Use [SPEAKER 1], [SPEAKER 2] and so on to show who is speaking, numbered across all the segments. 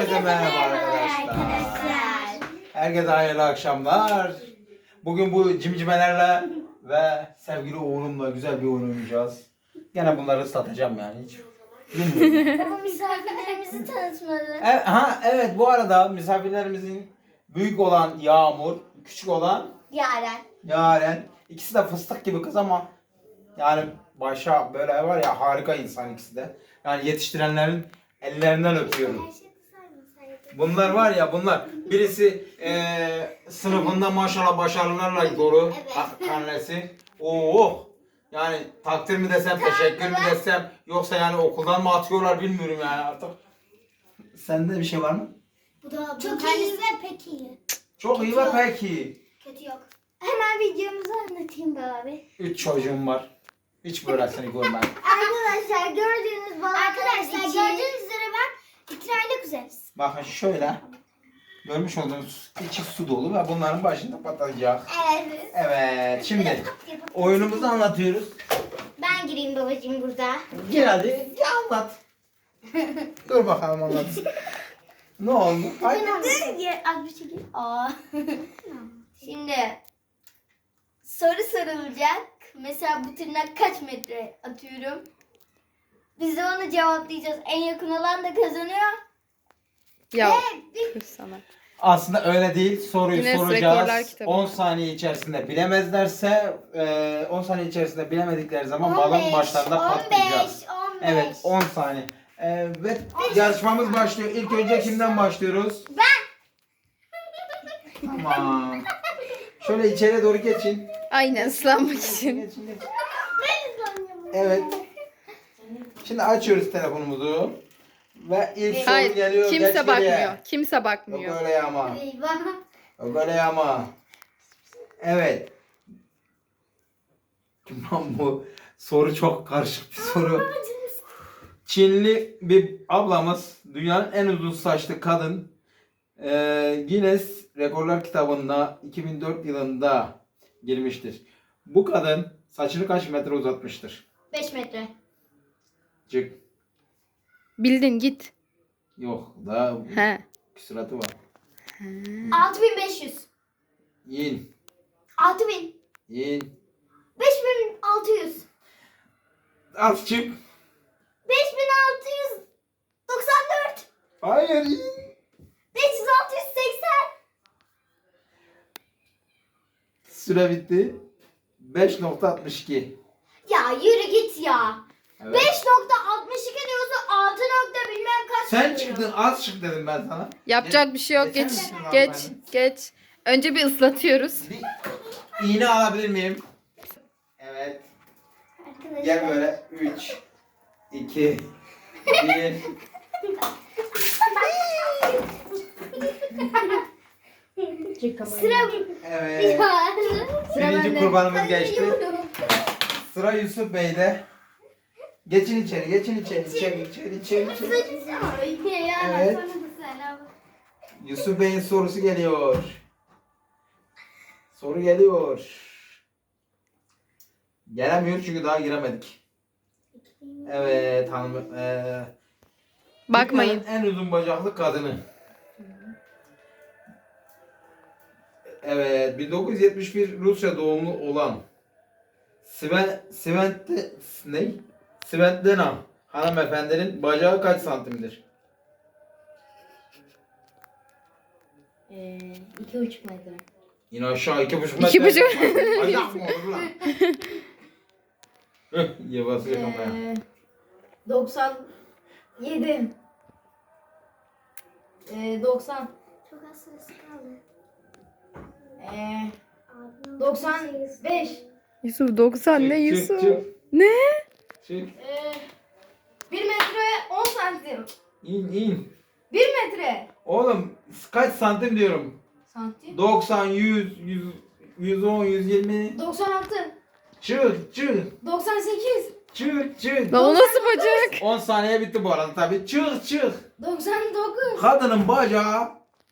[SPEAKER 1] Herkese merhaba arkadaşlar. Herkese hayırlı akşamlar. Bugün bu cimcimelerle ve sevgili oğlumla güzel bir oyun oynayacağız. Gene bunları ıslatacağım yani hiç. Bilmiyorum.
[SPEAKER 2] Ama misafirlerimizi tanıtmadı.
[SPEAKER 1] Evet, bu arada misafirlerimizin büyük olan Yağmur, küçük olan Yaren. İkisi de fıstık gibi kız ama yani başa böyle var ya, harika insan ikisi de. Yani yetiştirenlerin ellerinden öpüyorum. Bunlar var ya, birisi sınıfında maşallah başarılarla dolu karnesi. Oo, yani takdir mi desem, teşekkür mü desem, yoksa yani okuldan mı atıyorlar bilmiyorum yani artık. Sende bir şey var mı?
[SPEAKER 2] Bu da çok iyi ve pek iyi.
[SPEAKER 1] Çok iyi ve pek iyi.
[SPEAKER 2] Kötü yok. Hemen videomuzu anlatayım be abi.
[SPEAKER 1] 3 çocuğum var. Hiç böylesini görmedim.
[SPEAKER 2] Arkadaşlar gördüğünüz üzere ben 2 aylık kuzeniz.
[SPEAKER 1] Bakın şöyle. Görmüş olduğunuz içi su dolu ve bunların başında patlayacak.
[SPEAKER 2] Evet.
[SPEAKER 1] Evet, şimdi oyunumuzu anlatıyoruz.
[SPEAKER 2] Ben gireyim babacığım burada.
[SPEAKER 1] Gel hadi, gel anlat. Dur bakalım anlat. Ne oldu? Haydi.
[SPEAKER 2] Az bir çekil. Şimdi soru sorulacak. Mesela bu tırnak kaç metre atıyorum. Biz de onu cevaplayacağız. En yakın olan da kazanıyor.
[SPEAKER 3] Ya
[SPEAKER 2] Ve
[SPEAKER 3] kız sana.
[SPEAKER 1] Aslında öyle değil. Soruyu
[SPEAKER 3] Guinness Rekorlar
[SPEAKER 1] soracağız.
[SPEAKER 3] kitabı.
[SPEAKER 1] 10 saniye içerisinde bilemezlerse 10 saniye içerisinde bilemedikleri zaman balon başlarında patlayacak.
[SPEAKER 2] 15.
[SPEAKER 1] Evet, 10 saniye. Evet, yarışmamız başlıyor. İlk önce kimden başlıyoruz? Tamam. Şöyle içeri doğru geçin.
[SPEAKER 3] Aynen ıslanmak için.
[SPEAKER 1] Geçin. Evet. Şimdi açıyoruz telefonumuzu. Ve ilk soru
[SPEAKER 3] Hayır,
[SPEAKER 1] geliyor.
[SPEAKER 3] kimse
[SPEAKER 1] Geç
[SPEAKER 3] bakmıyor.
[SPEAKER 1] geriye.
[SPEAKER 3] Kimse
[SPEAKER 1] Yok
[SPEAKER 3] bakmıyor.
[SPEAKER 1] öyle ama.
[SPEAKER 2] Eyvah.
[SPEAKER 1] Yok öyle ama. Evet. Tamam, bu soru çok karışık bir soru. Çinli bir ablamız, dünyanın en uzun saçlı kadın, Guinness Rekorlar kitabına 2004 yılında girmiştir. Bu kadın saçını kaç metre uzatmıştır?
[SPEAKER 2] 5 metre.
[SPEAKER 1] Çık.
[SPEAKER 3] Bildin git.
[SPEAKER 1] Yok, daha
[SPEAKER 3] He.
[SPEAKER 1] küsuratı var.
[SPEAKER 2] 6500.
[SPEAKER 1] İn.
[SPEAKER 2] 6000.
[SPEAKER 1] İn.
[SPEAKER 2] 5600.
[SPEAKER 1] Az çık.
[SPEAKER 2] 5694.
[SPEAKER 1] Hayır, in.
[SPEAKER 2] 5680.
[SPEAKER 1] Süre bitti. 5.62.
[SPEAKER 2] Ya yürü git ya.
[SPEAKER 1] Evet.
[SPEAKER 2] 5.62 diyorsun 6 nokta bilmem kaç.
[SPEAKER 1] Sen
[SPEAKER 2] diyor.
[SPEAKER 1] çıktın, az çık dedim ben sana.
[SPEAKER 3] Yapacak bir şey yok.
[SPEAKER 1] Geçer
[SPEAKER 3] Geç.
[SPEAKER 1] misin abi
[SPEAKER 3] Geç.
[SPEAKER 1] beni?
[SPEAKER 3] Geç. Önce bir ıslatıyoruz.
[SPEAKER 1] Bir iğne alabilir miyim? Evet.
[SPEAKER 2] Arkadaşlar.
[SPEAKER 1] Gel böyle. 3, 2, 1.
[SPEAKER 2] Sıra
[SPEAKER 1] Evet. Birinci kurbanımız geçti. Sıra Yusuf Bey'de. Geçin içeri, geçin içeri, içeri. Evet. Yusuf Bey'in sorusu geliyor. Soru geliyor. Gelemiyor çünkü daha giremedik. Evet hanım.
[SPEAKER 3] Bakmayın.
[SPEAKER 1] Dünyanın en uzun bacaklı kadını. Evet, 1971 Rusya doğumlu olan Svetlana hanımefendinin bacağı kaç santimdir?
[SPEAKER 2] 2,5 metre.
[SPEAKER 1] İn aşağı 2,5 metre.
[SPEAKER 3] 2,5.
[SPEAKER 1] Bacak mı olur lan? Ye basıyor kafaya.
[SPEAKER 2] 97. 90. Çok az sırası kaldı. 95.
[SPEAKER 3] Yusuf 90 ne
[SPEAKER 1] Çık,
[SPEAKER 3] Yusuf?
[SPEAKER 1] çık.
[SPEAKER 3] Ne?
[SPEAKER 1] Çık.
[SPEAKER 2] 1 metre 10 santim.
[SPEAKER 1] İn.
[SPEAKER 2] 1 metre.
[SPEAKER 1] Oğlum kaç santim diyorum?
[SPEAKER 2] Santim.
[SPEAKER 1] 90, 100, 110, 120.
[SPEAKER 2] 96.
[SPEAKER 1] Çık.
[SPEAKER 2] 98.
[SPEAKER 1] Çık.
[SPEAKER 3] Lan o nasıl bacak?
[SPEAKER 1] 10 saniye bitti bu arada tabii. Çık.
[SPEAKER 2] 99.
[SPEAKER 1] Kadının bacağı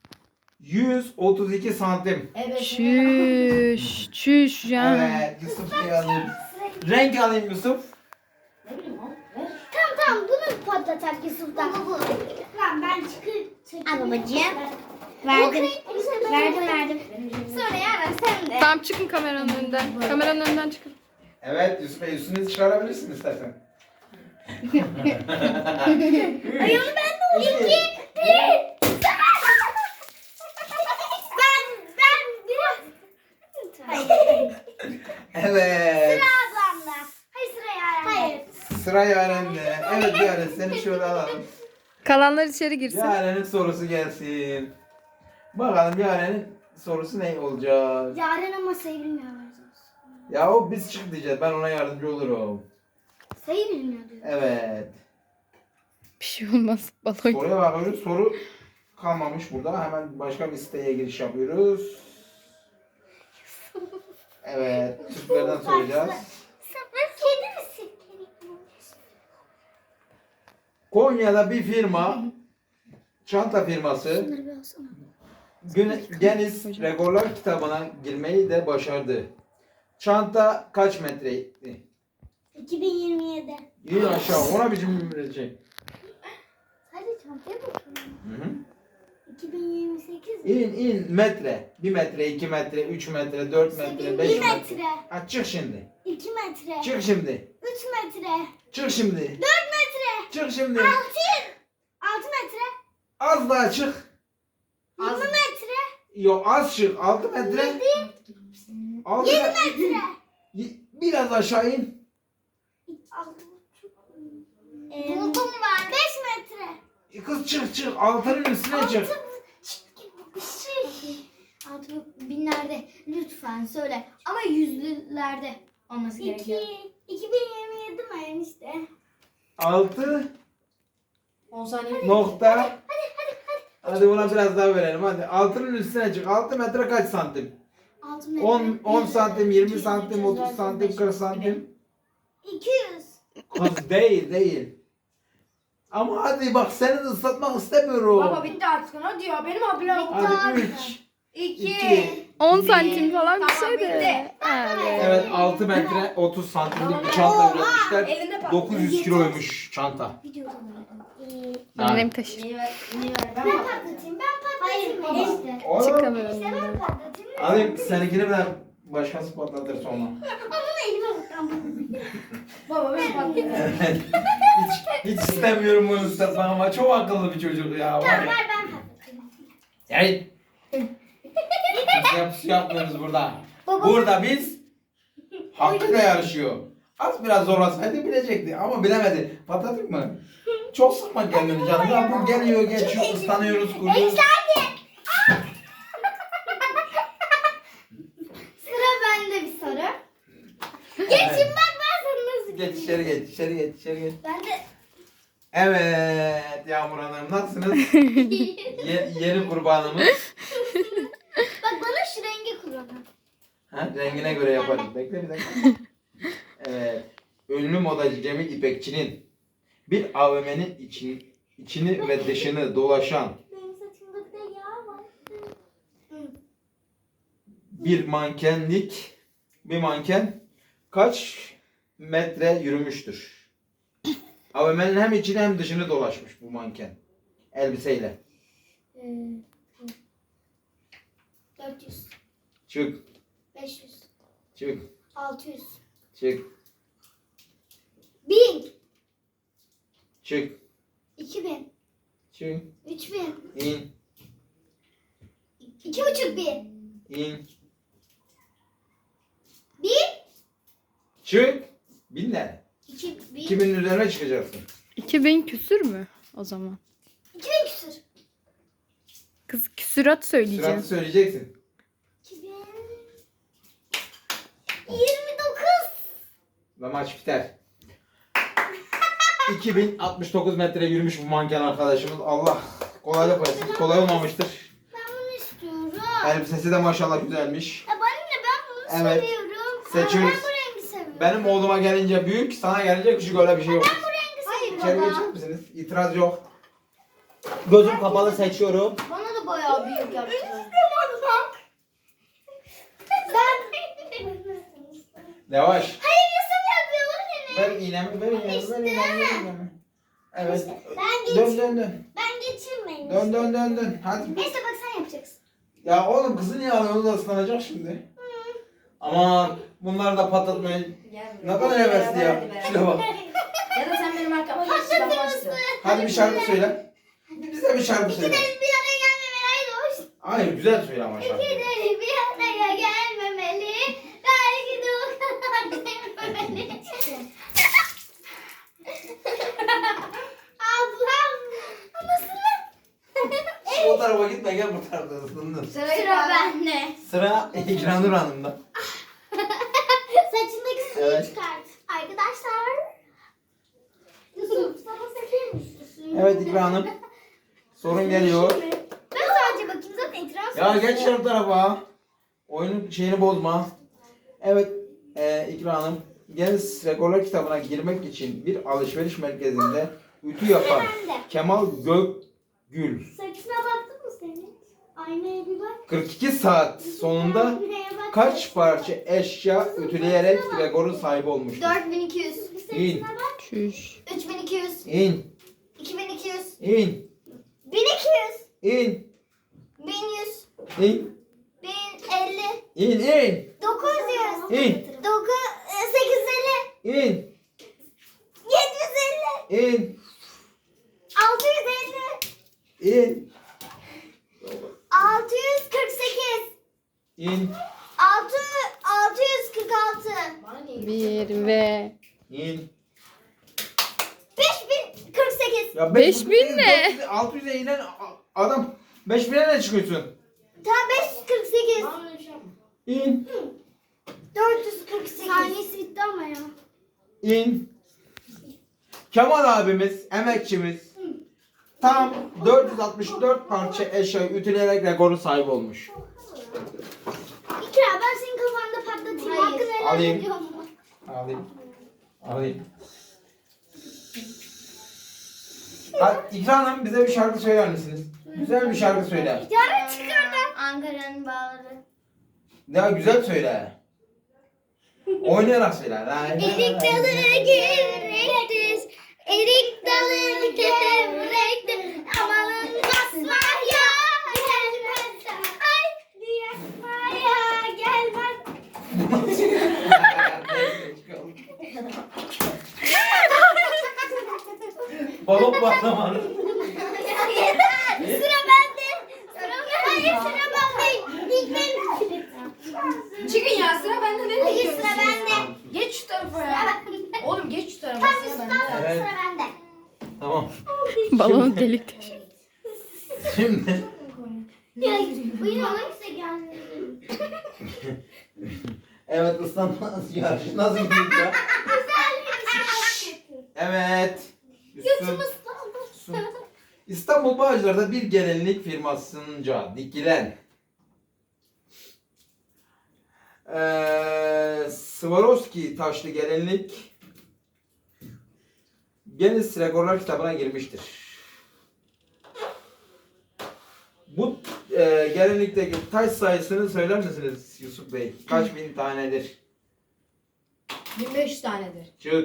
[SPEAKER 1] 132 santim.
[SPEAKER 2] Evet.
[SPEAKER 3] Çüş ya.
[SPEAKER 1] Evet, Yusuf Bey alayım. Renk alayım Yusuf.
[SPEAKER 2] Ne bileyim oğlum. Ver. Tamam bunu patlatak Yusuf'tan. Tamam ben çıkayım. Al babacığım. Verdim. Verdim. Sonra Yaren sen de.
[SPEAKER 3] Tamam çıkın kameranın önünden. Kameranın önünden çıkın.
[SPEAKER 1] Evet Yusuf Bey üstünüzü çıkarabilirsin istersen.
[SPEAKER 2] Ay onu ben de olayım. 2, 1. Ben biraz. Hayır.
[SPEAKER 1] Evet.
[SPEAKER 2] Sıra ablamda. Hayır sıra Yaren'de. Hayır.
[SPEAKER 1] Sıra Yaren'de. Evet Yaren seni şöyle alalım.
[SPEAKER 3] Kalanlar içeri girsin.
[SPEAKER 1] Yaren'in sorusu gelsin. Bakalım Yaren'in sorusu ne olacak?
[SPEAKER 2] Yaren ama sayı bilmiyor.
[SPEAKER 1] Ya o biz çık diyeceğiz. Ben ona yardımcı olurum.
[SPEAKER 2] Sayı bilmiyor diyor.
[SPEAKER 1] Evet.
[SPEAKER 3] Bir şey olmaz. Balon.
[SPEAKER 1] Soruya bakıyoruz. Soru kalmamış burada. Hemen başka bir siteye giriş yapıyoruz. Evet. Türklerden soracağız.
[SPEAKER 2] Kedi misin?
[SPEAKER 1] Konya'da bir firma, çanta firması Guinness Rekorlar kitabına girmeyi de başardı. Çanta kaç metreydi?
[SPEAKER 2] 2027.
[SPEAKER 1] İyi aşağı. Ona biçim bir şey.
[SPEAKER 2] Hadi çantaya bakalım.
[SPEAKER 1] Hı hı.
[SPEAKER 2] 2028.
[SPEAKER 1] İn metre. 1 metre, 2 metre, 3 metre, 4 metre, 5
[SPEAKER 2] 1
[SPEAKER 1] metre.
[SPEAKER 2] metre.
[SPEAKER 1] Ha, çık şimdi.
[SPEAKER 2] 2 metre.
[SPEAKER 1] Çık şimdi.
[SPEAKER 2] 3 metre.
[SPEAKER 1] Çık şimdi.
[SPEAKER 2] 4 metre.
[SPEAKER 1] Çık şimdi.
[SPEAKER 2] 6 metre.
[SPEAKER 1] Az daha çık.
[SPEAKER 2] 20 metre.
[SPEAKER 1] Yok az çık. 6 metre. 6
[SPEAKER 2] 7 metre.
[SPEAKER 1] Biraz aşağı in.
[SPEAKER 2] 6,5. Buldum ben. 5 metre.
[SPEAKER 1] Kız çık. Altının üstüne çık.
[SPEAKER 2] 6 binlerde lütfen söyle. Ama yüzlülerde olması gerekiyor. 2027 mi enişte?
[SPEAKER 1] 6
[SPEAKER 4] 10 saniye.
[SPEAKER 1] nokta. Hadi buna biraz daha verelim hadi. Altının üstüne çık. 6 metre kaç santim?
[SPEAKER 2] 6 metre.
[SPEAKER 1] 10 santim, 20 santim, 30 santim, 40 santim.
[SPEAKER 2] 200.
[SPEAKER 1] Kız değil. Ama hadi bak seni de ıslatmak istemiyorum.
[SPEAKER 4] Baba bitti artık hadi ya benim ablam.
[SPEAKER 1] Hadi 3,
[SPEAKER 4] 2.
[SPEAKER 1] 2.
[SPEAKER 3] 10 santim falan bir
[SPEAKER 4] Tamam,
[SPEAKER 3] şey de.
[SPEAKER 4] bitti.
[SPEAKER 3] Evet.
[SPEAKER 1] Evet 6 metre 30 santimlik bir çanta üretmişler.
[SPEAKER 4] Elinde patladı.
[SPEAKER 1] 900 kiloymuş çanta.
[SPEAKER 3] Annem taşır.
[SPEAKER 4] Niye ver?
[SPEAKER 2] Ben patlatayım. Hayır baba.
[SPEAKER 3] Çık
[SPEAKER 1] Oğlum.
[SPEAKER 3] kameranın
[SPEAKER 2] İşte ben
[SPEAKER 3] önünden.
[SPEAKER 2] patlatayım.
[SPEAKER 1] Alayım seninkini ben başkası patlatır sonra.
[SPEAKER 2] Ama bunu elime bakacağım.
[SPEAKER 4] Baba ben patladım.
[SPEAKER 1] Evet. Hiç istemiyorum bunu ıslatmak ama çok akıllı bir çocuk ya. Var
[SPEAKER 2] Tamam
[SPEAKER 1] ya.
[SPEAKER 2] ver ben patlatayım.
[SPEAKER 1] Yani biz yapmıyoruz burada.
[SPEAKER 2] Baba.
[SPEAKER 1] Burada biz hakkıyla yarışıyor. Az biraz zorlasaydı bilecekti ama bilemedi. Patlatayım mı? Çok sıkma kendini canım. Ya bu geliyor geçiyor ıslanıyoruz kuruyoruz.
[SPEAKER 2] Sıra bende bir soru. Geçin bak ben sana nasıl
[SPEAKER 1] Geç içeri geç içeri geç.
[SPEAKER 2] Ben de
[SPEAKER 1] Evet Yağmur Hanım nasılsınız? Yeni kurbanımız.
[SPEAKER 2] bak bana şu rengi kullanın.
[SPEAKER 1] Ha, rengine göre yaparız. Bekle bir dakika. Evet. Ünlü modacı Cemil İpekçi'nin bir AVM'nin içini ve dışını dolaşan
[SPEAKER 2] Benim saçımda bir de yağ var.
[SPEAKER 1] bir manken kaç metre yürümüştür? AVM'nin hem içini hem dışını dolaşmış bu manken. Elbiseyle.
[SPEAKER 2] 400,
[SPEAKER 1] Çık,
[SPEAKER 2] 500,
[SPEAKER 1] çık,
[SPEAKER 2] 600,
[SPEAKER 1] çık,
[SPEAKER 2] 1000,
[SPEAKER 1] çık,
[SPEAKER 2] 2000,
[SPEAKER 1] çık,
[SPEAKER 2] 3000,
[SPEAKER 1] in,
[SPEAKER 2] 2500,
[SPEAKER 1] in,
[SPEAKER 2] 1000,
[SPEAKER 1] çık. Binler.
[SPEAKER 2] 2000,
[SPEAKER 1] 2000'in üzerine çıkacaksın.
[SPEAKER 3] 2000 küsür mü o zaman?
[SPEAKER 2] 2000 küsür.
[SPEAKER 3] Kız küsurat söyleyeceğim.
[SPEAKER 1] Sıratı söyleyeceksin.
[SPEAKER 2] 2000, 29.
[SPEAKER 1] Ve maç biter. 2069 metre yürümüş bu manken arkadaşımız. Allah kolaylık versin. Kolay olmamıştır.
[SPEAKER 2] Ben bunu istiyorum.
[SPEAKER 1] Elbisesi de maşallah güzelmiş.
[SPEAKER 2] Ya bana ne ben bunu
[SPEAKER 1] Evet.
[SPEAKER 2] seviyorum.
[SPEAKER 1] Seçiyoruz.
[SPEAKER 2] Ben bu rengi seviyorum.
[SPEAKER 1] Benim oğluma gelince büyük, sana gelince küçük öyle bir şey yok.
[SPEAKER 2] Ben bu rengi
[SPEAKER 1] İçeri
[SPEAKER 2] seviyorum.
[SPEAKER 1] geçer misiniz? İtiraz yok. Gözüm kapalı seçiyorum.
[SPEAKER 2] Bana da bayağı büyük yaptılar.
[SPEAKER 1] Yavaş.
[SPEAKER 2] Hayır Yusuf yapıyor bana ne?
[SPEAKER 1] Ver iğnemi, ver iğnemi, ver iğnemi, ver iğnemi. Evet.
[SPEAKER 2] Ben
[SPEAKER 1] Dön
[SPEAKER 2] geç.
[SPEAKER 1] dön dön.
[SPEAKER 2] Ben geçirmeyin.
[SPEAKER 1] Dön dön dön dön. Hadi.
[SPEAKER 2] Neyse bak sen yapacaksın.
[SPEAKER 1] Ya oğlum kızı niye alıyorsun? O da ıslanacak şimdi. Aman bunları da patlatmayın.
[SPEAKER 4] Gel
[SPEAKER 1] Ne
[SPEAKER 4] buraya.
[SPEAKER 1] kadar hevesli ya.
[SPEAKER 4] Hadi be.
[SPEAKER 1] Şuna bak.
[SPEAKER 4] Ya da sen benim arkama geç. Ben başlıyorum.
[SPEAKER 1] Hadi bir şarkı söyle. Bize bir şarkı söyle.
[SPEAKER 2] İkimiz bir araya gelmemeli. Hoş.
[SPEAKER 1] Hayır güzel söyle ama şarkı.
[SPEAKER 2] İkimiz bir araya gelmemeli. Belki de o kadar sevmemeli. Ablam. Nasıl?
[SPEAKER 1] O tarafa gitme gel bu tarafa ısındın.
[SPEAKER 2] Sıra bende.
[SPEAKER 1] Sıra İkranur Hanım'da.
[SPEAKER 2] Saçındaki suyu
[SPEAKER 1] Evet.
[SPEAKER 2] çıkart. Arkadaşlar. Yusuf sana seviyor musun?
[SPEAKER 1] Evet İkra Hanım. Sorun geliyor.
[SPEAKER 2] Ben sadece bakayım zaten itiraz
[SPEAKER 1] Ya geç şu tarafa. Oyunun şeyini bozma. Evet İkra Hanım. Guinness Rekorlar kitabına girmek için bir alışveriş merkezinde ütü yapan Kemal Gökgül
[SPEAKER 2] Saçına baktın mı senin? Aynaya bir bak.
[SPEAKER 1] 42 saat sonunda
[SPEAKER 2] Aynaya bak.
[SPEAKER 1] kaç parça eşya ütüleyerek rekorun sahibi olmuştur?
[SPEAKER 2] 4200.
[SPEAKER 1] İn.
[SPEAKER 2] Saçına bak.
[SPEAKER 3] Çüş.
[SPEAKER 2] 3200.
[SPEAKER 1] İn.
[SPEAKER 2] 2200.
[SPEAKER 1] İn.
[SPEAKER 2] 1200.
[SPEAKER 1] İn.
[SPEAKER 2] 1100.
[SPEAKER 1] İn.
[SPEAKER 2] 1050.
[SPEAKER 1] İn. İn.
[SPEAKER 2] 900.
[SPEAKER 1] İn.
[SPEAKER 2] 850.
[SPEAKER 1] İn.
[SPEAKER 2] 750.
[SPEAKER 1] İn.
[SPEAKER 2] 650.
[SPEAKER 1] İn.
[SPEAKER 2] 648.
[SPEAKER 1] İn.
[SPEAKER 2] 646.
[SPEAKER 4] Bana niye?
[SPEAKER 3] Bir ve
[SPEAKER 1] İn.
[SPEAKER 2] 5048.
[SPEAKER 1] Ya
[SPEAKER 3] 5000 ne?
[SPEAKER 1] 600'e inen adam 5000'e ne çıkıyorsun?
[SPEAKER 2] Tam 548.
[SPEAKER 4] Bana öyle bir şey yapma.
[SPEAKER 1] İn.
[SPEAKER 2] 448. Saniyesi bitti ama ya.
[SPEAKER 1] İn. Kemal abimiz, emekçimiz tam 464 parça eşya ütüleyerek rekorun sahibi olmuş.
[SPEAKER 2] İkra ben senin kafanda patlatayım.
[SPEAKER 4] Hayır.
[SPEAKER 2] Hakkını helal
[SPEAKER 1] Alayım.
[SPEAKER 2] ediyor mu?
[SPEAKER 1] Alayım. Alayım. Hadi İkra Hanım bize bir şarkı söyler misiniz? Güzel bir şarkı söyle.
[SPEAKER 2] Yarın çıkardı. Ankara'nın bağları.
[SPEAKER 1] Ya güzel söyle. Oynayarak söyle.
[SPEAKER 2] Erik dalı gevrektir. Erik dalı gevrektir. Amanın basmaya gelmez. Ay yakmaya gelmez.
[SPEAKER 1] Balon patlamadı.
[SPEAKER 2] Sıra bende. Hayır sıra bende. İlk benim.
[SPEAKER 4] Çıkın ya sıra bende ne
[SPEAKER 2] Hayır
[SPEAKER 4] diyorsun?
[SPEAKER 2] sıra bende.
[SPEAKER 4] Geç şu tarafa
[SPEAKER 2] Sıra
[SPEAKER 4] ya.
[SPEAKER 2] bende.
[SPEAKER 4] Oğlum geç şu tarafa
[SPEAKER 2] Tam
[SPEAKER 4] sıra
[SPEAKER 2] üstten
[SPEAKER 4] bende.
[SPEAKER 2] sonra
[SPEAKER 1] Evet.
[SPEAKER 2] sıra bende.
[SPEAKER 1] Tamam.
[SPEAKER 3] balon delik deşik.
[SPEAKER 1] Şimdi
[SPEAKER 2] Ya buyurun hangisi geldi?
[SPEAKER 1] evet ıslanmaz yarışı nasıl gidiyor? Evet.
[SPEAKER 2] Götüm
[SPEAKER 1] Su. İstanbul Bağcılar'da bir gelinlik firmasınca dikilen Swarovski taşlı gelinlik Guinness Rekorlar kitabına girmiştir. Bu gelinlikteki taş sayısını söyler misiniz Yusuf Bey? Kaç bin tanedir?
[SPEAKER 4] 1500 tanedir.
[SPEAKER 1] Çık.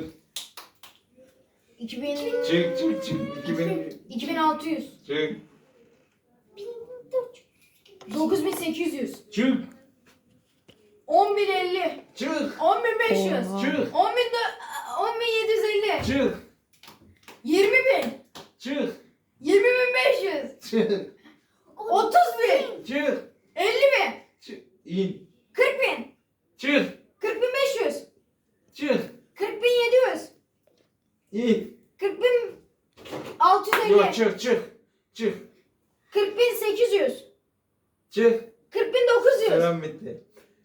[SPEAKER 4] 2000
[SPEAKER 1] Çık çık çık. 2000
[SPEAKER 4] 2600.
[SPEAKER 1] çık.
[SPEAKER 4] 9800.
[SPEAKER 1] Çık.
[SPEAKER 4] 10050.
[SPEAKER 1] Çık.
[SPEAKER 4] 10500.
[SPEAKER 3] Oha.
[SPEAKER 1] Çık.
[SPEAKER 4] 10750.
[SPEAKER 1] Çık.
[SPEAKER 4] 20000.
[SPEAKER 1] Çık.
[SPEAKER 4] 20500.
[SPEAKER 1] Çık.
[SPEAKER 4] 30000.
[SPEAKER 1] Çık.
[SPEAKER 4] 50000.
[SPEAKER 1] Çık. İn.
[SPEAKER 4] 40000.
[SPEAKER 1] Çık.
[SPEAKER 4] 40500.
[SPEAKER 1] Çık.
[SPEAKER 4] 40700.
[SPEAKER 1] İn.
[SPEAKER 4] 40650.
[SPEAKER 1] Yok çık çık. Çık.
[SPEAKER 4] 40800.
[SPEAKER 1] Çık.
[SPEAKER 4] 40900.
[SPEAKER 1] Selam bitti.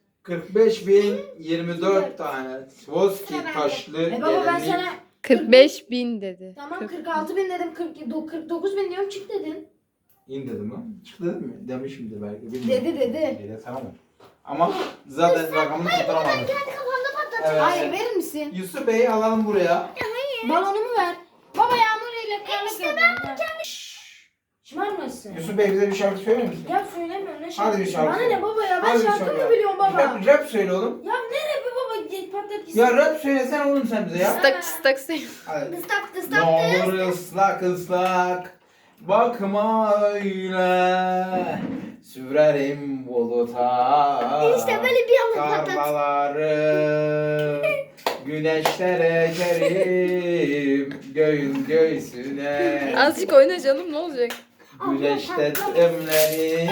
[SPEAKER 1] 45.024 tane Swarovski taşlı
[SPEAKER 4] Baba ben
[SPEAKER 1] gelinlik.
[SPEAKER 4] sana
[SPEAKER 3] 45.000 dedi.
[SPEAKER 4] tamam 46000 dedim 49000 diyorum çık dedin.
[SPEAKER 1] İn dedim ha. Çık dedim mi? Demişimdir belki. Bilmiyorum.
[SPEAKER 4] Dedi.
[SPEAKER 1] Dedi tamam. Ama zaten rakamını tutturamadım.
[SPEAKER 2] Kendi kafamda patlatıyor.
[SPEAKER 1] Evet.
[SPEAKER 4] Hayır verir misin?
[SPEAKER 1] Yusuf Bey'i alalım buraya.
[SPEAKER 4] Balonumu ver. Baba yağmur ile karla
[SPEAKER 2] İşte ben
[SPEAKER 4] Şımarmasın.
[SPEAKER 1] Yusuf Bey bize bir şarkı söyler misin?
[SPEAKER 4] Ya söylemiyorum ne
[SPEAKER 1] Hadi
[SPEAKER 4] şarkı.
[SPEAKER 1] bir şarkı
[SPEAKER 4] Bana
[SPEAKER 1] söyle.
[SPEAKER 4] ne baba ya ben
[SPEAKER 1] Hadi bir
[SPEAKER 4] şarkı
[SPEAKER 1] şarkı.
[SPEAKER 4] mı biliyorum baba.
[SPEAKER 1] Rap söyle oğlum.
[SPEAKER 4] Ya ne rapi baba patlat
[SPEAKER 1] Ya rap söylesene oğlum sen bize ya.
[SPEAKER 3] Istak ıstak sayın.
[SPEAKER 1] Hadi.
[SPEAKER 2] Dıstak
[SPEAKER 1] Ne
[SPEAKER 2] dıstak
[SPEAKER 1] olur ıslak ıslak bakma öyle sürerim buluta
[SPEAKER 2] İşte böyle bir anda patlat.
[SPEAKER 1] tarlaları güneşlere ekerim göğün göğsüne
[SPEAKER 3] Azıcık oyna canım ne olacak?
[SPEAKER 1] güneşte temleri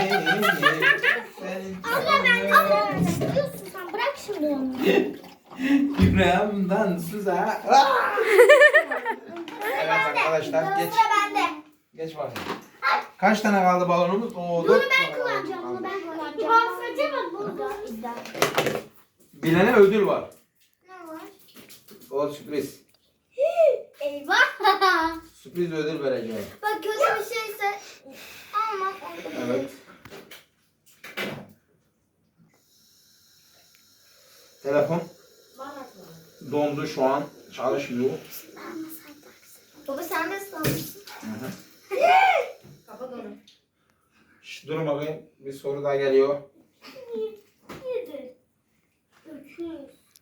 [SPEAKER 2] Sıkıyorsun sen, bırak şimdi onu.
[SPEAKER 1] yüreğimden süzer. Evet arkadaşlar geç.
[SPEAKER 2] Sıra bende.
[SPEAKER 1] Geç bakayım. Kaç tane kaldı balonumuz? Oo,
[SPEAKER 2] Bunu
[SPEAKER 1] 4
[SPEAKER 2] ben
[SPEAKER 1] tane
[SPEAKER 2] kullanacağım,
[SPEAKER 1] kaldı.
[SPEAKER 2] bunu ben kullanacağım. Bahsedeceğim bak burada.
[SPEAKER 1] Bilene ödül var.
[SPEAKER 2] Ne var?
[SPEAKER 1] O sürpriz.
[SPEAKER 2] Eyvah.
[SPEAKER 1] Sürpriz ödül vereceğim.
[SPEAKER 2] Bak kötü bir şeyse alma.
[SPEAKER 1] Evet. Telefon dondu şu an. Çalışmıyor.
[SPEAKER 2] Baba sen de sanırsın.
[SPEAKER 4] Kapat onu.
[SPEAKER 1] Şş, durun bakayım. Bir soru daha geliyor.
[SPEAKER 2] Yedi. 300.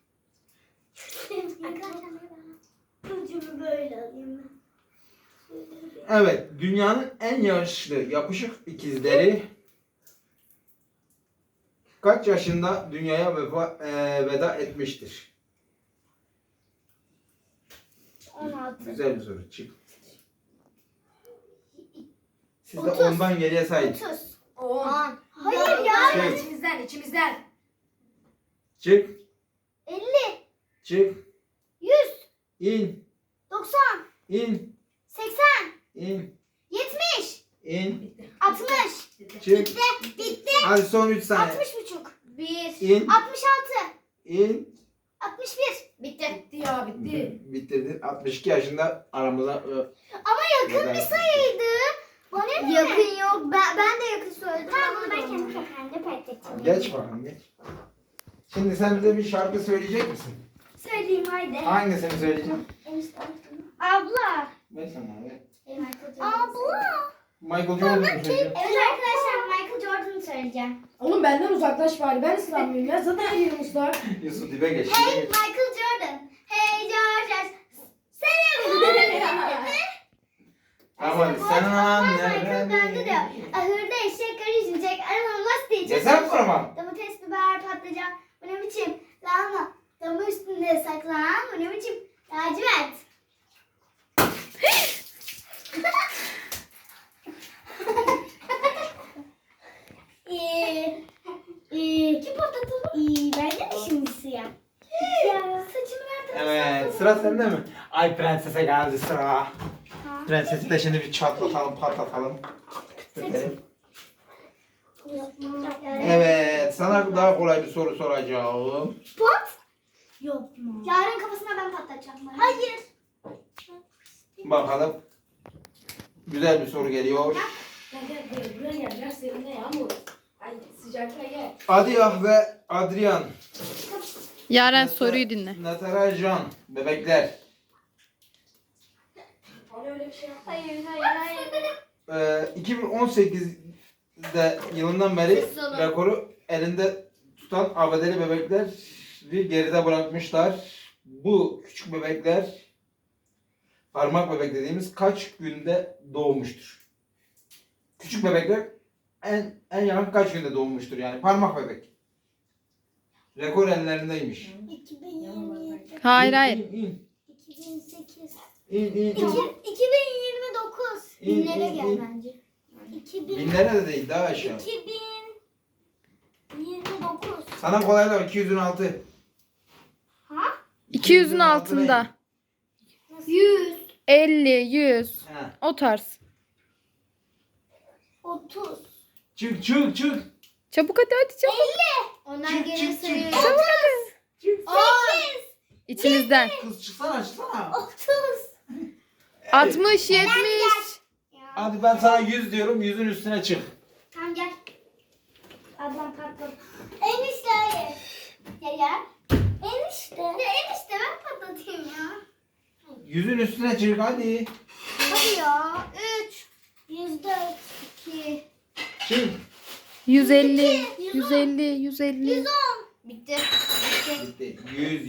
[SPEAKER 2] Ucumu böyle alayım ben.
[SPEAKER 1] Evet. Dünyanın en yaşlı yapışık ikizleri kaç yaşında dünyaya veda etmiştir?
[SPEAKER 2] 16.
[SPEAKER 1] Güzel bir soru. Çık. Siz de
[SPEAKER 2] 30.
[SPEAKER 1] ondan geriye sayın.
[SPEAKER 2] 30.
[SPEAKER 4] 10.
[SPEAKER 2] Hayır ya.
[SPEAKER 1] Şey.
[SPEAKER 4] İçimizden.
[SPEAKER 1] Çık.
[SPEAKER 2] 50.
[SPEAKER 1] Çık.
[SPEAKER 2] 100.
[SPEAKER 1] İn.
[SPEAKER 2] 90.
[SPEAKER 1] İn.
[SPEAKER 2] 80.
[SPEAKER 1] İn.
[SPEAKER 2] 70.
[SPEAKER 1] İn.
[SPEAKER 2] 60.
[SPEAKER 1] Çık.
[SPEAKER 2] Bitti.
[SPEAKER 1] Hadi son 3 saniye.
[SPEAKER 2] 60,5. 1.
[SPEAKER 1] İn.
[SPEAKER 2] 66.
[SPEAKER 1] İn.
[SPEAKER 2] 61. Bitti.
[SPEAKER 4] Bitti ya bitti.
[SPEAKER 1] Bitirdin. 62 yaşında aramıza
[SPEAKER 2] Ama yakın bir sayıydı. Bana ne? Yakın yok. Ben de yakın söyledim. Tamam bunu ben kendi kafamda patlatacağım.
[SPEAKER 1] Geç bakalım geç. Şimdi sen bize bir şarkı söyleyecek misin?
[SPEAKER 2] Söyleyeyim haydi.
[SPEAKER 1] Hangisini söyleyeceğim?
[SPEAKER 2] Abla.
[SPEAKER 1] Ben sana abi.
[SPEAKER 2] Abla.
[SPEAKER 1] Michael Jordan'ı söyleyeceğim.
[SPEAKER 2] Evet arkadaşlar Michael Jordan'ı söyleyeceğim.
[SPEAKER 4] Oğlum benden uzaklaş bari. Ben ıslanmıyorum ya. Zaten yerim ıslak.
[SPEAKER 1] Yusuf dibe geç.
[SPEAKER 2] Hey
[SPEAKER 1] dibe geç.
[SPEAKER 2] Michael Jordan. Hey George. Selam.
[SPEAKER 1] Tamam hadi. Sen
[SPEAKER 2] Michael bende
[SPEAKER 1] anne.
[SPEAKER 2] diyor. Ahırda eşek karışmayacak. Arabam lastiği
[SPEAKER 1] Yeter kurama.
[SPEAKER 2] Domates, biber, patlıcan. Bu ne biçim? Lahana. Damı üstünde saklan. Bu ne biçim? Lacivert. Kim patlatalım? Bence mi şimdi siyah? Ya saçımı nereden
[SPEAKER 1] Evet sıra sende mi? Ay prensese geldi sıra. Prensesi de şimdi bir çatlatalım patlatalım. Kütletelim. Evet sana daha kolay bir soru soracağım.
[SPEAKER 2] Pot? Yok mu? Yarın kafasına ben patlatacağım. Hayır.
[SPEAKER 1] Bakalım. Güzel bir soru geliyor.
[SPEAKER 4] Gel buraya gel. Biraz serinle Yağmur. Ay sıcakta gel.
[SPEAKER 1] Adiyah ve Adrian.
[SPEAKER 3] Yaren soruyu dinle.
[SPEAKER 1] Natarajan. Bebekler.
[SPEAKER 4] Hani öyle bir şey yapma.
[SPEAKER 2] Hayır.
[SPEAKER 1] 2018'de yılından beri
[SPEAKER 2] Siz olun.
[SPEAKER 1] rekoru elinde tutan ABD'li bebekleri geride bırakmışlar. Bu küçük bebekler parmak bebek dediğimiz kaç günde doğmuştur? Küçük bebekler en yakın kaç günde doğmuştur yani parmak bebek. Rekor ellerindeymiş.
[SPEAKER 2] 2027.
[SPEAKER 3] Hayır hayır.
[SPEAKER 1] İn,
[SPEAKER 2] 2008.
[SPEAKER 1] in, in, in,
[SPEAKER 2] 2029.
[SPEAKER 1] İn,
[SPEAKER 2] Binlere
[SPEAKER 1] in,
[SPEAKER 2] gel
[SPEAKER 1] in.
[SPEAKER 2] bence. 2000.
[SPEAKER 1] Binlere de değil daha aşağı.
[SPEAKER 2] 2029.
[SPEAKER 1] Sana kolaylar 200'ün altı.
[SPEAKER 2] Ha?
[SPEAKER 3] 200'ün altında.
[SPEAKER 2] 100.
[SPEAKER 3] 50, 100.
[SPEAKER 1] Ha.
[SPEAKER 3] O tarz.
[SPEAKER 2] 30.
[SPEAKER 1] Çık.
[SPEAKER 3] Çabuk hadi çabuk.
[SPEAKER 2] Ondan
[SPEAKER 1] Çık,
[SPEAKER 2] geri
[SPEAKER 1] çık, çık.
[SPEAKER 2] sayıyorum.
[SPEAKER 3] Çabuk hadi.
[SPEAKER 2] 8.
[SPEAKER 3] İçinizden.
[SPEAKER 1] Kız çıksana.
[SPEAKER 2] 30.
[SPEAKER 3] 60, 70.
[SPEAKER 1] Hadi ben sana 100 diyorum 100'ün üstüne çık.
[SPEAKER 2] Tamam gel. Ablam patladı. Enişte hayır. Gel. Enişte. Ya enişte ben patlatayım ya.
[SPEAKER 1] 100'ün üstüne çık hadi.
[SPEAKER 2] Hadi ya. 3. 104. 2.
[SPEAKER 1] Çık.
[SPEAKER 3] 150, 150, 150.
[SPEAKER 2] 110. Bitti.
[SPEAKER 1] Bitti.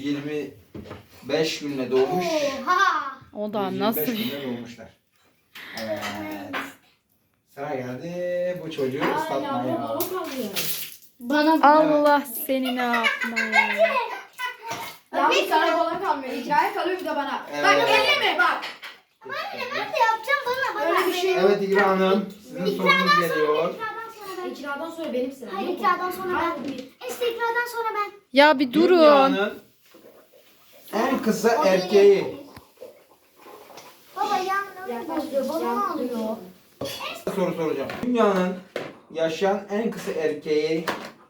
[SPEAKER 1] 125 günle doğmuş.
[SPEAKER 2] Oha.
[SPEAKER 3] O da
[SPEAKER 1] 125
[SPEAKER 3] nasıl?
[SPEAKER 1] günde doğmuşlar. Evet. Sıra geldi bu çocuğu
[SPEAKER 4] Aa yavrum
[SPEAKER 1] ıslatmaya.
[SPEAKER 4] baba kalıyor.
[SPEAKER 2] Bana
[SPEAKER 3] Allah seni ne yapmaya.
[SPEAKER 4] Yavrum sana bana kalmıyor. İkraya kalıyor bir de bana.
[SPEAKER 1] Evet.
[SPEAKER 4] Bak elleme bak.
[SPEAKER 2] ben de yapacağım bana.
[SPEAKER 4] Öyle bir şey yok.
[SPEAKER 1] Evet İkra Hanım. Sizin sorunuz geliyor.
[SPEAKER 4] İkradan sonra benim sıram.
[SPEAKER 2] Hayır,
[SPEAKER 4] yok mu?
[SPEAKER 2] ikradan sonra ben.
[SPEAKER 4] Hayır.
[SPEAKER 2] İşte ikradan sonra ben.
[SPEAKER 3] Ya bir durun.
[SPEAKER 1] Dünyanın en kısa erkeği.
[SPEAKER 2] Baba yanına bozuyor. Bana ne oluyor?
[SPEAKER 1] Soru soracağım. Dünyanın yaşayan en kısa erkeği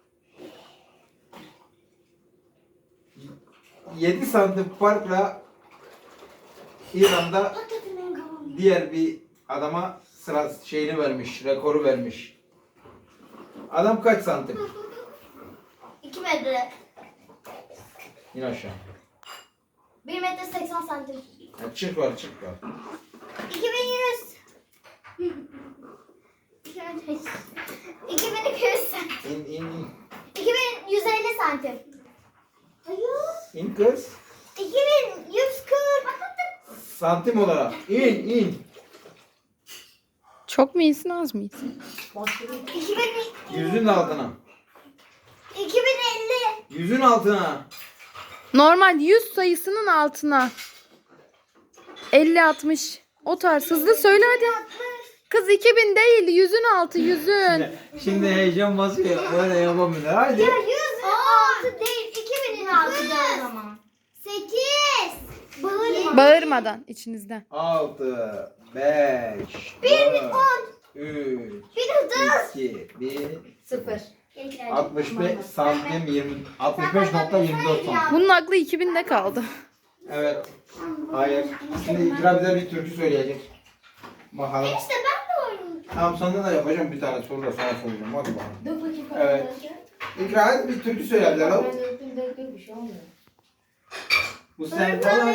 [SPEAKER 1] 7 santim farkla İran'da diğer bir adama sıra şeyini vermiş, rekoru vermiş. Adam kaç santim?
[SPEAKER 2] 2 metre.
[SPEAKER 1] İn aşağı.
[SPEAKER 2] 1 metre 80 santim.
[SPEAKER 1] Ya çık var, çık var.
[SPEAKER 2] 2100. 2200 santim.
[SPEAKER 1] İn.
[SPEAKER 2] 2150 santim.
[SPEAKER 1] İn kız.
[SPEAKER 2] 2140.
[SPEAKER 1] Santim olarak. İn.
[SPEAKER 3] Çok mu iyisin az mı iyisin?
[SPEAKER 2] 2000
[SPEAKER 1] Yüzün altına.
[SPEAKER 2] 2050.
[SPEAKER 1] Yüzün altına.
[SPEAKER 3] Normal 100 sayısının altına. 50-60. O tarz hızlı söyle hadi. Kız 2000 değil, yüzün altı, yüzün.
[SPEAKER 1] Şimdi heyecan basıyor. Böyle yapamıyor. Hadi.
[SPEAKER 2] Ya 106 değil. 2000'in altıda o zaman. 8. Bağırma.
[SPEAKER 3] Bağırmadan içinizden.
[SPEAKER 1] 6, 5, 4, 3, 2, 1,
[SPEAKER 4] Sıfır.
[SPEAKER 1] 65 santim 20, 65.24 santim.
[SPEAKER 3] Bunun aklı 2000'de kaldı.
[SPEAKER 1] Evet. Hayır. Şimdi İkra bize bir türkü söyleyecek. Bakalım.
[SPEAKER 2] İşte ben de oynayacağım.
[SPEAKER 1] Tamam sana da yapacağım bir tane soru da sana soracağım. Hadi bakalım.
[SPEAKER 4] Dök bakayım.
[SPEAKER 1] Evet. İkra hadi bir türkü söyle bize lan.
[SPEAKER 4] Ben döktüm bir şey olmuyor.
[SPEAKER 1] Bu sen falan.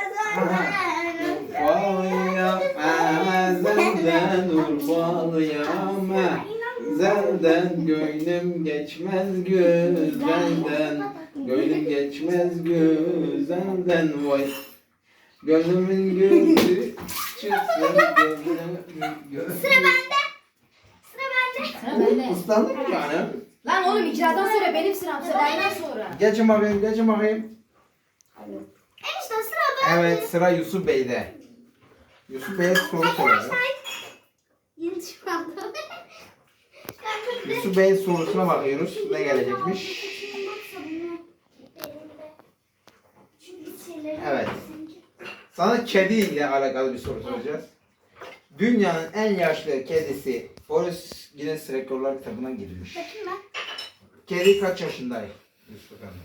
[SPEAKER 1] Urfalıyam, ezelden Urfalıyam, ezelden gönlüm geçmez güzelden, gönlüm geçmez güzelden vay. Gönlümün gülü çıksın gönlümün gülü.
[SPEAKER 2] Sıra bende.
[SPEAKER 4] Sıra bende.
[SPEAKER 1] Islandın mı yani?
[SPEAKER 4] Lan oğlum ikradan sonra benim sıram. Sıraydan sonra.
[SPEAKER 1] Geçin bakayım.
[SPEAKER 2] Enişte sıra bende.
[SPEAKER 1] Evet sıra Yusuf Bey'de. Yusuf Bey'e soru soracağız.
[SPEAKER 2] Yeni çıkmadı.
[SPEAKER 1] Yusuf Bey'in sorusuna bakıyoruz. Ne gelecekmiş? Evet. Sana kedi ile alakalı bir soru soracağız. Dünyanın en yaşlı kedisi Boris Guinness Rekorlar kitabına girmiş.
[SPEAKER 2] Bakayım ben.
[SPEAKER 1] Kedi kaç yaşındaydı? Yusuf Hanım.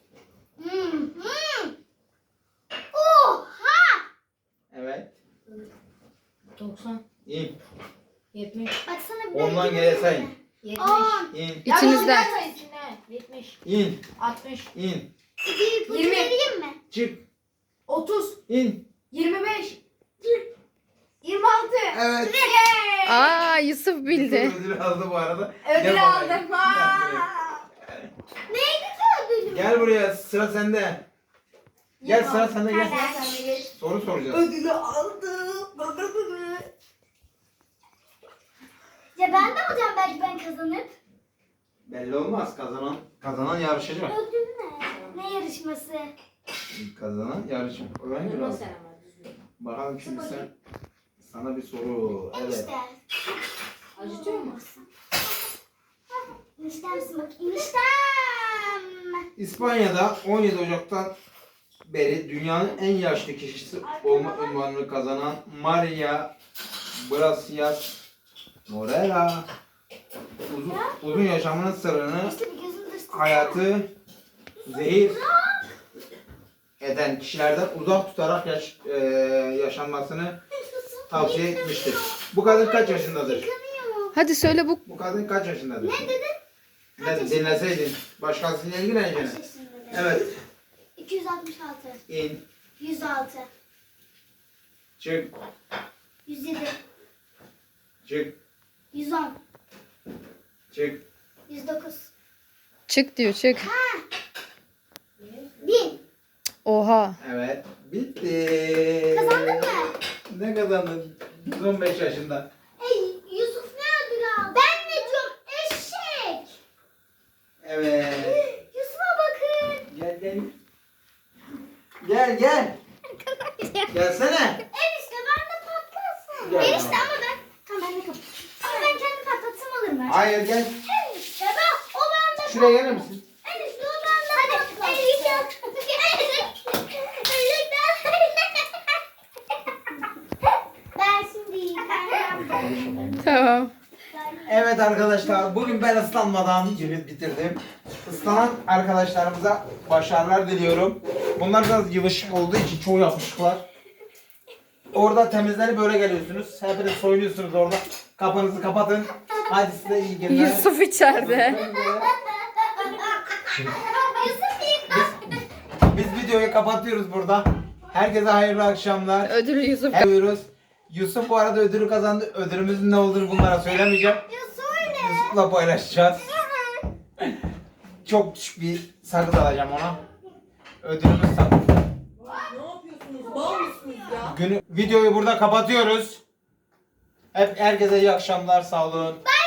[SPEAKER 2] Oha!
[SPEAKER 1] Evet.
[SPEAKER 4] 90.
[SPEAKER 1] İn.
[SPEAKER 4] 70.
[SPEAKER 2] Baksana bir
[SPEAKER 1] Ondan geri sayın.
[SPEAKER 4] 70.
[SPEAKER 1] İn.
[SPEAKER 3] İçinizden.
[SPEAKER 4] 70.
[SPEAKER 1] İn.
[SPEAKER 4] 60.
[SPEAKER 1] İn.
[SPEAKER 2] bir ipucu
[SPEAKER 4] 20.
[SPEAKER 2] vereyim mi?
[SPEAKER 1] Çık.
[SPEAKER 4] 30.
[SPEAKER 1] İn.
[SPEAKER 4] 25. 26.
[SPEAKER 1] Evet.
[SPEAKER 3] Aa Yusuf bildi.
[SPEAKER 1] Yusuf ödülü aldı bu arada.
[SPEAKER 4] Ödül
[SPEAKER 1] Gel bakayım.
[SPEAKER 4] aldım.
[SPEAKER 2] Neydi ki ödülüm?
[SPEAKER 1] Gel buraya sıra sende. Gel sıra sende gel.
[SPEAKER 2] Gel.
[SPEAKER 1] Soru soracağız.
[SPEAKER 4] Ödülü aldım.
[SPEAKER 2] Ya ben de alacağım belki ben kazanıp.
[SPEAKER 1] Belli olmaz. Kazanan yarışacak.
[SPEAKER 2] Ödül ne? Ne yarışması?
[SPEAKER 1] Kazanan yarışacak. Öğren biraz. Bakalım şimdi sana bir soru. Evet.
[SPEAKER 2] Enişte.
[SPEAKER 4] Acıtıyor mu?
[SPEAKER 2] Eniştem misin bakayım? Eniştem.
[SPEAKER 1] İspanya'da 17 Ocak'tan beri dünyanın en yaşlı kişisi olma unvanını kazanan Maria Gracias Morera uzun yaşamının sırrını
[SPEAKER 2] İşte bir gözüm düştü.
[SPEAKER 1] hayatı zehir eden kişilerden uzak tutarak yaşanmasını tavsiye etmiştir. Bu kadın kaç yaşındadır?
[SPEAKER 2] Yıkanıyor.
[SPEAKER 3] Hadi söyle bu.
[SPEAKER 1] Bu kadın kaç yaşındadır?
[SPEAKER 2] Ne dedin?
[SPEAKER 1] Ne dinleseydin. Başkasıyla ilgileneceksin.
[SPEAKER 2] Kaç yaşındadır?
[SPEAKER 1] Evet.
[SPEAKER 2] 266.
[SPEAKER 1] İn.
[SPEAKER 2] 106.
[SPEAKER 1] Çık.
[SPEAKER 2] 107.
[SPEAKER 1] Çık.
[SPEAKER 2] 110.
[SPEAKER 1] Çık.
[SPEAKER 2] 109.
[SPEAKER 3] Çık diyor çık. Oha.
[SPEAKER 1] Evet. Bitti.
[SPEAKER 2] Kazandın mı?
[SPEAKER 1] Ne kazandın? 15 yaşında.
[SPEAKER 2] Yusuf ne ödül aldı? Ben ne diyorum? Eşek.
[SPEAKER 1] Evet.
[SPEAKER 2] Yusuf'a bakın.
[SPEAKER 1] Gel gel. Gel gel. Gelsene.
[SPEAKER 2] Enişte ben de patlasın.
[SPEAKER 1] Gel.
[SPEAKER 2] Enişte ama ben... Tamam ben de kapatayım. Ama ben kendi patlatsam olur mu?
[SPEAKER 1] Hayır gel.
[SPEAKER 2] Enişte ben o bende
[SPEAKER 1] Şuraya gelir misin?
[SPEAKER 2] Enişte o bende patlasın. Hadi enişte. Ben şimdi yiyeceğim.
[SPEAKER 3] Tamam.
[SPEAKER 1] Evet arkadaşlar bugün ben ıslanmadan bitirdim. Islanan arkadaşlarımıza başarılar diliyorum. Bunlar biraz yılışık olduğu için çoğu yapışıklar. Orada temizlenip böyle geliyorsunuz. Hepiniz soyunuyorsunuz orada. Kapınızı kapatın. Hadi size iyi günler.
[SPEAKER 3] Yusuf içeride.
[SPEAKER 1] Biz videoyu kapatıyoruz burada. Herkese hayırlı akşamlar.
[SPEAKER 3] Ödülü Yusuf.
[SPEAKER 1] Yapıyoruz. Yusuf bu arada ödülü kazandı. Ödülümüzün ne olduğunu bunlara söylemeyeceğim. Yusuf'la paylaşacağız. Çok küçük bir sakız alacağım ona. Ödülümüz sakız.
[SPEAKER 5] Ne yapıyorsunuz? Mal mısınız ya?
[SPEAKER 1] Videoyu burada kapatıyoruz. Herkese iyi akşamlar. Sağ olun.